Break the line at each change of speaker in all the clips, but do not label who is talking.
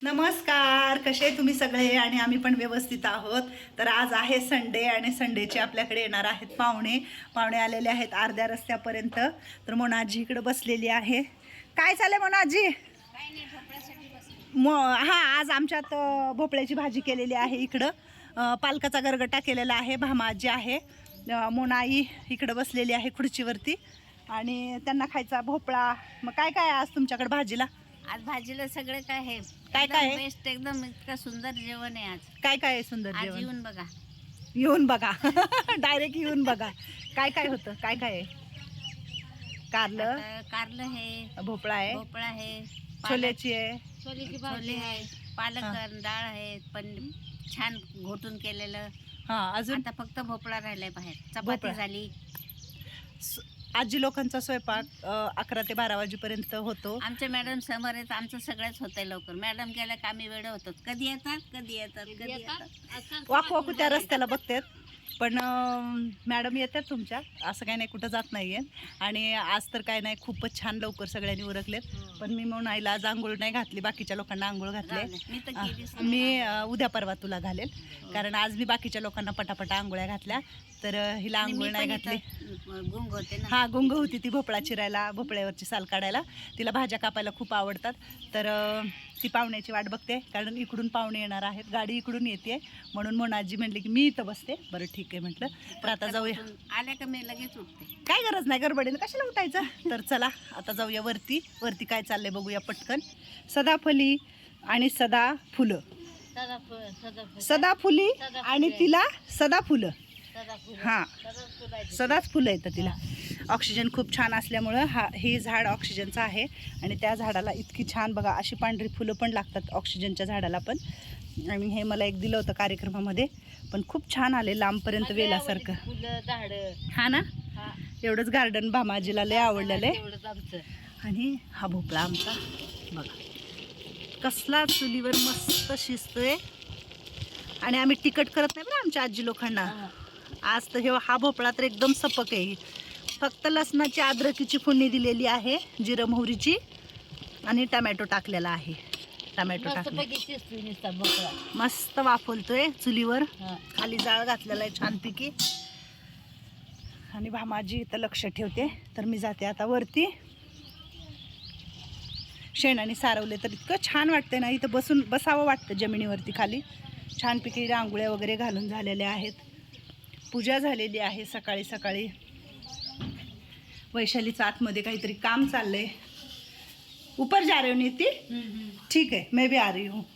नमस्कार, कसे तुम्ही सगळे? आणि आम्ही पण व्यवस्थित आहोत. तर आज आहे संडे आणि संडेचे आपल्याकडे येणार आहेत पाहुणे आलेले आहेत अर्ध्या रस्त्यापर्यंत. तर मोनाजी इकडे बसलेली आहे. काय चाललंय मोनाजी? आज आमच्यात भोपळ्याची भाजी केलेली आहे. इकडं पालकाचा गरगटा केलेला आहे. भामाजी आहे, मोनाई इकडं बसलेली आहे खुर्चीवरती आणि त्यांना खायचा भोपळा. मग काय काय आज तुमच्याकडे भाजीला?
आज भाजीला सगळं काय आहे,
काय काय आहे?
बेस्ट, एकदम इतकं सुंदर जेवण आहे आज.
काय काय आहे सुंदर
आज
जेवण?
येऊन बघा.
येऊन बघा. डायरेक्ट येऊन बघा. काय काय होतं? काय काय आहे? कारलं,
आता कारलं आहे,
भोपळा आहे,
भोपळा आहे,
छोल्याची आहे,
छोले आहे, पालक डाळ आहे, पण छान घोटून केलेलं.
हा अजून
आता फक्त भोपळा राहिलाय बाहेर.
भोपळा.
चपाती झाली.
आजी लोकांचा स्वयंपाक 11 ते 12 वाजेपर्यंत होतो.
आमच्या मॅडम समोर आहेत. आमचं सगळंच होतंय लवकर. मॅडम गेल्या का आम्ही वेळ होतो. कधी येतात कधी येतात कधी येतात.
वाकू त्या रस्त्याला बघतात, पण मॅडम येतात तुमच्या, असं काही नाही, कुठं जात नाहीये. आणि आज तर काय नाही, खूपच छान लवकर सगळ्यांनी उरकलेत. पण मी म्हणून आईला आज आंघोळ नाही घातली, बाकीच्या लोकांना आंघोळ घातले.
मी तर गेलीच नाही.
मी उद्या परवा तुला घालेल, कारण आज मी बाकीच्या लोकांना पटापटा आंघोळ्या घातल्या, तर हिला
आणि
आंघोळ
मी
नाही
पण
घातली.
इथं गुंग होते ना.
हा गुंग होती ती भोपळा चिरायला, भोपळ्यावरची साल काढायला. तिला भाज्या कापायला खूप आवडतात. तर ती पाहुण्याची वाट बघते, कारण इकडून पाहुणे येणार आहेत. गाडी इकडून येते, म्हणून आजी म्हणली की मी इथं बसते. बरं ठीक आहे म्हटलं. तर आता जाऊया.
आल्या का मी लगेच उठते.
काय गरज नाही गडबडीनं, कशाला उठायचं. तर चला आता जाऊया वरती. वरती काय चाललंय बघूया पटकन. सदाफुली आणि सदा फुलं, सदाफुली आणि तिला सदा फुलं. हां, सदाच फुलं येतं तिला. ऑक्सिजन खूप छान असल्यामुळं हे झाड ऑक्सिजनचं आहे. आणि त्या झाडाला इतकी छान बघा अशी पांढरी फुलं पण लागतात ऑक्सिजनच्या झाडाला पण. आणि हे मला एक दिलं होतं कार्यक्रमामध्ये, पण खूप छान आले लांबपर्यंत वेलासारखं. हा ना, एवढंच गार्डन भामाजीला लय आवडलेलं आहे. आणि हा भोपळा आमचा बघा कसला चुलीवर मस्त शिजतोय. आणि आम्ही तिखट करत नाही बरं आमच्या आजी लोकांना. आज तर हा भोपळा तर एकदम सपक आहे. फक्त लसणाची अद्रकीची फोडणी दिलेली आहे, जिरं मोहरीची, आणि टमॅटो टाकलेला आहे. टमॅटो टाकले मस्त वाफवतोय चुलीवर. खाली जाळ घातलेला आहे छानपैकी. आणि भामाजी इथं लक्ष ठेवते. तर मी जाते आता वरती. शेणाने सारवले तर इतकं छान वाटतं ना, इथं बसावं वाटतं जमिनीवरती खाली. छानपैकी रांगोळ्या वगैरे घालून झालेल्या आहेत. पूजा झालेली आहे सकाळी सकाळी. वैशालीचं आतमध्ये काहीतरी काम चाललंय. ऊपर जा रही हो नीति? ठीक आहे, मैं भी आ रही हूँ.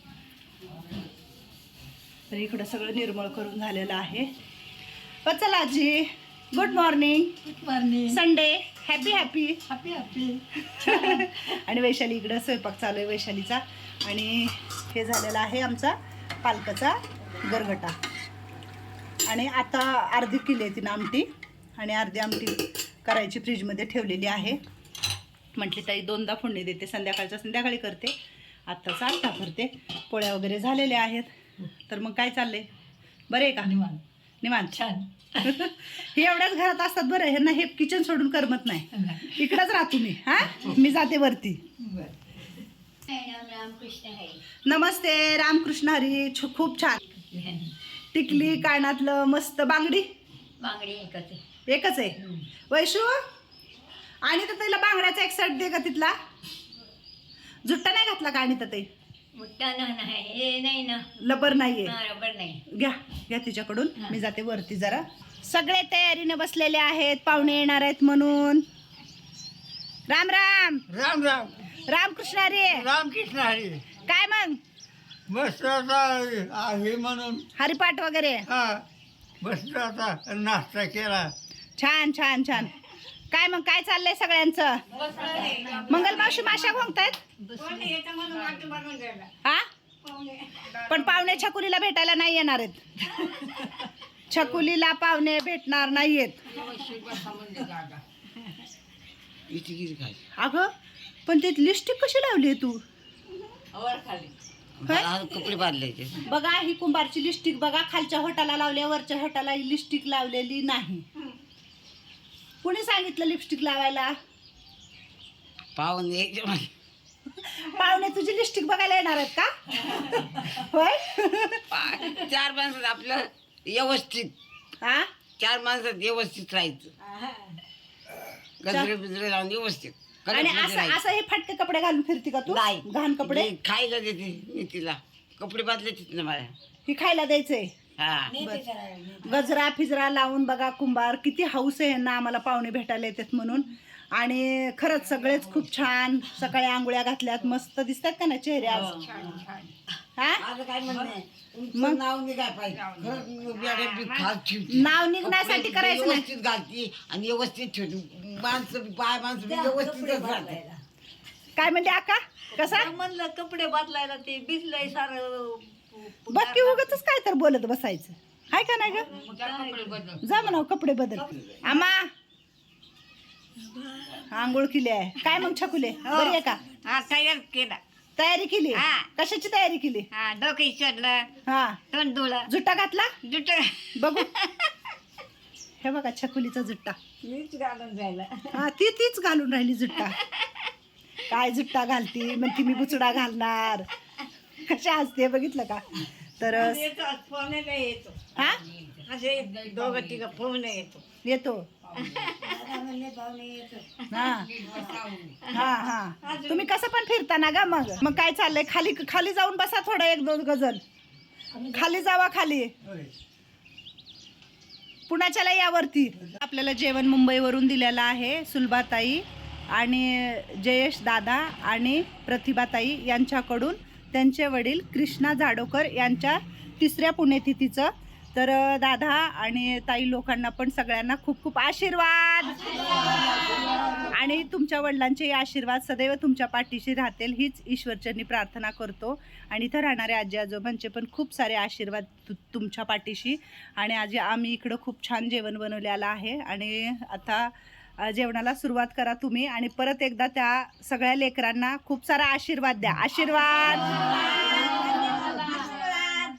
तर इकडं सगळं निर्मळ करून झालेलं आहे. चला आजी, good morning.
Good morning.
Sunday, happy happy
happy happy.
आणि वैशाली इकडं स्वयंपाक चालू आहे वैशालीचा. आणि हे झालेला आहे आमचा पालकाचा गरगटा. आणि आता अर्धी केली आहे तिनं आमटी, आणि अर्धी आमटी करायची फ्रीजमध्ये ठेवलेली आहे. म्हटली ताई 2दा फोडणी देते, संध्याकाळी करते, आत्ताचा आत्ता करते. पोळ्या वगैरे झालेल्या आहेत. तर मग काय चाललंय? बरं आहे का? निवांत छान. हे एवढ्याच घरात असतात बरं. ह्यांना हे किचन सोडून करमत नाही. इकडंच राहतो मी. मी जाते वरती. नमस्ते, रामकृष्ण हरी. खूप छान. टिकली कानातलं मस्त. बांगडी एकच आहे. वैशू, आणि तर तिला बांगड्याचा एक सेट दे का तिथला. जुट्टा नाही घातला का? आणि तर ते लबर नाहीये. घ्या तिच्याकडून. मी जाते वरती जरा. सगळे तयारीने बसलेले आहेत, पाहुणे येणार आहेत म्हणून. राम राम.
राम राम.
रामकृष्ण हरी.
रामकृष्ण हरी.
काय मग
मस्त आता आहे म्हणून
हरिपाठ वगैरे?
मस्त आता नाश्ता केला.
छान छान छान. काय मग काय चाललंय सगळ्यांचं? मंगलमावशी माशा घोंगतायत. हा, पण पाहुणे छकुलीला भेटायला नाही येणार आहेत. छकुलीला पाहुणे भेटणार नाहीयेत. अगं पण ते लिपस्टिक कशी लावली आहे तू?
कपडे बांधले.
बघा ही कुंभारची लिपस्टिक बघा, खालच्या होटाला लावली, वरच्या होटाला लिपस्टिक लावलेली नाही. कुणी सांगितलं लिपस्टिक लावायला?
पाहुणे
पाहुणे तुझी लिपस्टिक बघायला येणार आहेत का? होय.
4 माणसात आपलं व्यवस्थित
हा
4 माणसात व्यवस्थित राहायचं, गजरे बिजरे लावून व्यवस्थित
आणि
कडकमध्ये
असं
राहायचं.
असं हे फाटके कपडे घालून फिरती का तू?
नाही
घाण कपडे
मी खायला देते मी तिला, कपडे बदलायचे ना मला.
ही खायला द्यायचंय.
हा
गजरा फिजरा लावून बघा कुंभार किती हौस आहे ना आम्हाला पाहुणे भेटायला येतात म्हणून. आणि खरंच सगळेच खूप छान सकाळी आंघोळ्या घातल्यात, मस्त दिसतात का ना चेहरे आज? हा
माझं काय म्हणणं आहे, तुमचं नाव निघाय पाहिजे. खरंच मॅडम बी खास ठेवते.
नाव निघण्यासाठी
कपडे
करायचं नाही.
व्यवस्थित घालते आणि व्यवस्थित ठेवते. माणसं बाय माणसं बी व्यवस्थितच राहते.
काय म्हणते आका? कसा
म्हणलं कपडे बदलायला ते भिजलंय सारं.
बघ की उगाचच काय तर बोलत बसायचं हाय का नाही ग? जा म्हणाव कपडे बदल. आमा आंघोळ केली आहे काय मग छकुले? बरी आहे का?
हा तयार केला.
तयारी केली?
हा.
कशाची तयारी केली?
हा डोकं चढलं,
हा
तोंड धुळं,
जुट्टा घातला
जुट
बघू. हे बघा छकुलीचा जुट्टा.
मीच घालून जायला.
हा तीच घालून राहिली जुट्टा. काय जुट्टा घालती म्हणती मी बुचडा घालणार. कशा असते बघितलं का? तर
फोन येतो,
हा
असे दोघं तिघं फोन येतो.
येतो. हा हा हा तुम्ही कसं पण फिरता ना गा? मग काय चाललंय? खाली खाली जाऊन बसा थोडं 1-2 गजल खाली जावा. खाली पुण्याच्याला यावरती आपल्याला जेवण मुंबईवरून दिलेलं आहे. सुलभाताई आणि जयेश दादा आणि प्रतिभाताई यांच्याकडून त्यांचे वडील कृष्णा जाडोकर यांच्या 3ऱ्या पुण्यतिथीचं. तर दादा आणि ताई लोकांना पण सगळ्यांना खूप खूप आशीर्वाद आणि तुमच्या वडिलांचे आशीर्वाद सदैव तुमच्या पाठीशी राहतील हीच ईश्वरचरणी प्रार्थना करतो. आणि इथं राहणाऱ्या आजी आजोबांचे पण खूप सारे आशीर्वाद तुमच्या पाठीशी. आणि आजी आम्ही इकडं खूप छान जेवण बनवलेलं आहे आणि आता जेवणाला सुरुवात करा तुम्ही. आणि परत एकदा त्या सगळ्या लेकरांना खूप सारा आशीर्वाद द्या. आशीर्वाद.